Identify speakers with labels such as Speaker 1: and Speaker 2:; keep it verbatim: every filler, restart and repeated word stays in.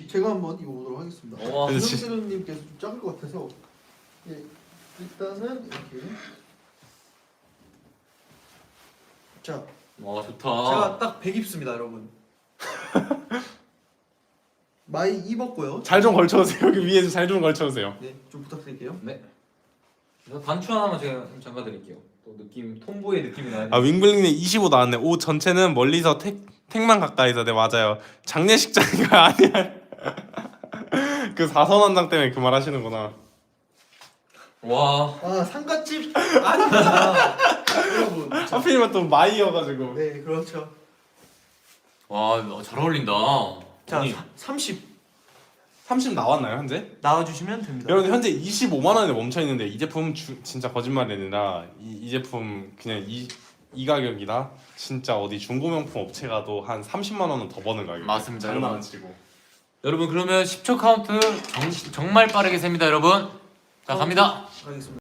Speaker 1: 제가 한번 입어보도록 하겠습니다.
Speaker 2: 와,
Speaker 1: 김영재님께서 좀 작을 것 같아서 예, 일단은 이렇게 자,
Speaker 2: 와 좋다.
Speaker 1: 제가 딱 백 입습니다, 여러분. 많이 입었고요.
Speaker 3: 잘 좀 걸쳐오세요. 여기 위에 잘 좀 걸쳐오세요.
Speaker 1: 네, 좀 부탁드릴게요.
Speaker 2: 네. 그래서 단추 하나만 제가 좀 잠가 드릴게요. 또 느낌 톰보이 느낌이 나요.
Speaker 3: 아 윙블링님 이십오 나왔네. 옷 전체는 멀리서 택 택만 가까이서. 네 맞아요. 장례식장이가 아니야. 그 사선원장 때문에 그 말 하시는구나.
Speaker 2: 와.
Speaker 1: 아, 상갓집 아닙니다. 여러분. 자,
Speaker 3: 하필이면 또 마이여가지고.
Speaker 1: 네, 그렇죠.
Speaker 2: 와, 잘 어울린다.
Speaker 1: 자,
Speaker 2: 아니,
Speaker 1: 사, 삼십
Speaker 3: 삼십 나왔나요 현재?
Speaker 1: 나와주시면 됩니다.
Speaker 3: 여러분 현재 이십오만 원에 멈춰 있는데 이 제품 주, 진짜 거짓말이 아니라 이, 이 제품 그냥 이, 이 가격이다. 진짜 어디 중고명품 업체 가도 한 삼십만 원은 더 버는 가격.
Speaker 2: 맞습니다,
Speaker 3: 장난 안
Speaker 2: 여러분.
Speaker 3: 치고.
Speaker 2: 여러분 그러면 십 초 카운트 정, 정말 빠르게 셉니다, 여러분. 자, 갑니다.
Speaker 1: 가겠습니다.